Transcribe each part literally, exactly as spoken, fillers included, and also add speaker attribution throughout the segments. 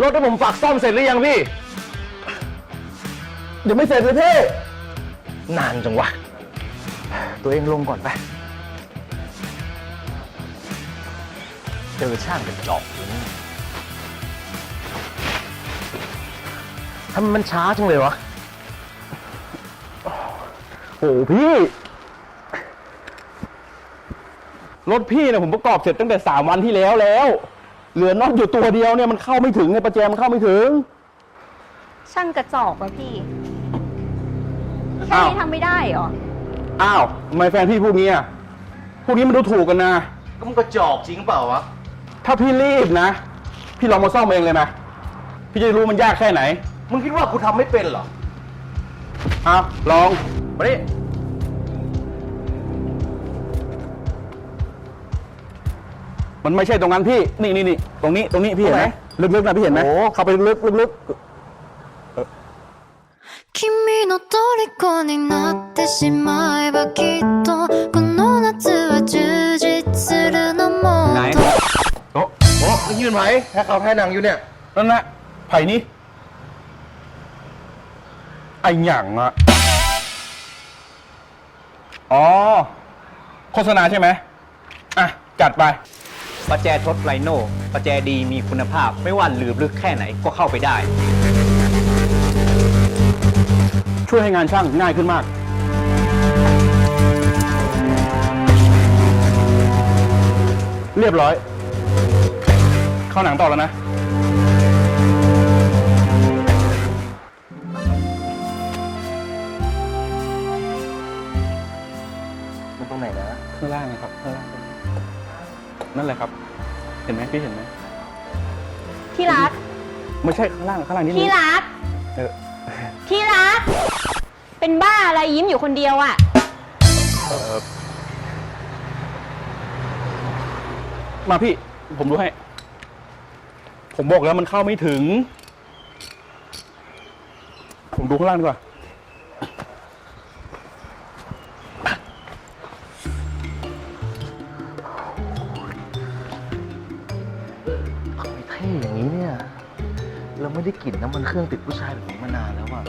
Speaker 1: รถที่ผมฝากซ่อมเสร็จหรือยังพี่เดี๋ยวไม่เสร็จเลยพี่นานจังวะตัวเองลงก่อนไปเจอช่างกระจอกอยู่นี่ทำไมมันช้าจังเลยวะโอ้พี่รถพี่เนี่ยผมประกอบเสร็จตั้งแต่สามวันที่แล้วแล้วเหลือน็อตอยู่ตัวเดียวเนี่ยมันเข้าไม่ถึงไงประแจมันเข้าไม่ถึง
Speaker 2: ช่างกระจอกวะพี่แค่นี้ทำไม่ได้เหรอ
Speaker 1: อ้าวทำไมแฟนพี่พูดงี้อ่ะพวกนี้มันดูถูกกันนะ
Speaker 3: ก็มันกระจอกจริงเปล่าวะ
Speaker 1: ถ้าพี่รีบนะพี่ลองมาซ่อมเองเลยนะพี่จะรู้มันยากแค่ไหน
Speaker 3: มึงคิดว่ากูทำไม่เป็นเหรอ
Speaker 1: อ้าวลองมาดิมันไม่ใช่ตรงนั้นพี่นี่นี่นี่ตรงนี้ตรงนี้พี่เห็นไหมลึกๆนะพี่เห็นไหมเข้าไปลึกๆลึกๆ
Speaker 4: 君の虜になってしまえばきっとこの夏は充実するのも
Speaker 1: ไหนโอ้
Speaker 3: โอ้มึงยืนไหมถ้าเขาแท้หนังอยู่เนี่ย
Speaker 1: นั่นแหละไผ่นี้ไอหยั่งอะอ๋อโฆษณาใช่ไหมอ่ะจัดไป
Speaker 5: ประแจทดไรโน่ประแจดีมีคุณภาพไม่ว่าหลืบลึกแค่ไหนก็เข้าไปได้
Speaker 1: ช่วยให้งานช่างง่ายขึ้นมากเรียบร้อยเข้าหนังต่อแล้วนะ
Speaker 3: มันตรงไหนนะ
Speaker 1: ข้างล่างนะครับข้างล่างนั่นแหละครับเห็นไหมพี่เห็นไหม
Speaker 2: ที่รัก
Speaker 1: ไม่ใช่ข้างล่างข้างล่างนี่
Speaker 2: ที่รัก
Speaker 1: เออ
Speaker 2: ที่รักเป็นบ้าอะไรยิ้มอยู่คนเดียวอ่ะ
Speaker 1: มาพี่ผมดูให้ผมบอกแล้วมันเข้าไม่ถึงผมดูข้างล่างดีกว่า
Speaker 3: ไม่เท่อย่างนี้เนี่ยเราไม่ได้กลิ่นน้ำมันเครื่องติดผู้ชายแบบนี้มานานแล้วอะ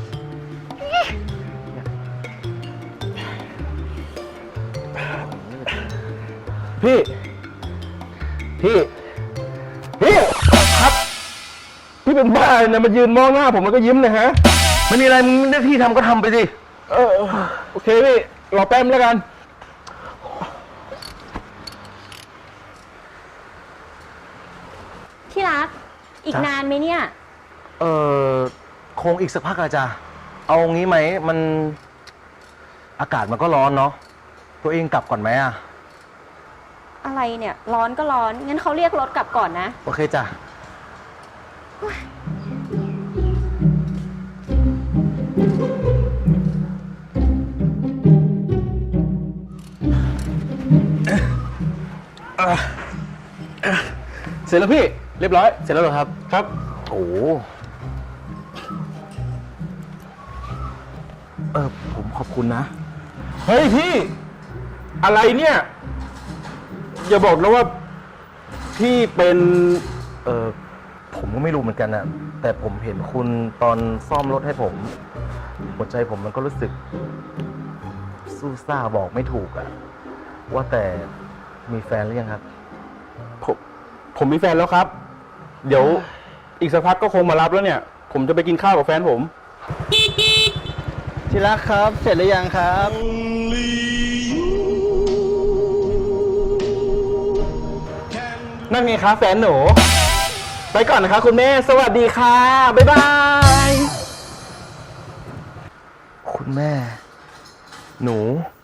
Speaker 1: พี่พี่พี่ครับพี่เป็นบ้าเนี่ยมายืนมองหน้าผมแล้วก็ยิ้มเลยฮะ
Speaker 3: ไม่มีอะไรมึงได้ที่ทำก็ทำไปสิ
Speaker 1: เออโอเคพี่รอแป๊บแล้วกัน
Speaker 2: ที่รักอีกนานไหมเนี่ย
Speaker 3: เออคงอีกสักพักอะจ้ะเอางี้ไหมมันอากาศมันก็ร้อนเนาะตัวเองกลับก่อนไหมอะ
Speaker 2: อะไรเนี่ยร้อนก็ร้อนงั้นเขาเรียกรถกลับก่อนนะ
Speaker 3: โอเคจ้ะ
Speaker 1: เสร็จแล้วพี่เรียบร้อย
Speaker 3: เสร็จแล้วเหรอครับ
Speaker 1: ครับ
Speaker 3: โอ้เออผมขอบคุณนะ
Speaker 1: เฮ้ยพี่อะไรเนี่ยอย่าบอกนะว่าพี่เป็น
Speaker 3: เออผมก็ไม่รู้เหมือนกันนะแต่ผมเห็นคุณตอนซ่อมรถให้ผมหัวใจผมมันก็รู้สึกสู้ซ่าบอกไม่ถูกอะว่าแต่มีแฟนหรือยังครับ
Speaker 1: ผมผมมีแฟนแล้วครับเดี๋ยวอีกสักพักก็คงมารับแล้วเนี่ยผมจะไปกินข้าวกับแฟนผม
Speaker 5: ที่รักครับเสร็จหรือยังครับ
Speaker 1: นั่นไงคะแฟนหนูไปก่อนนะคะคุณแม่สวัสดีค่ะบ๊ายบาย
Speaker 3: คุณแม่หนู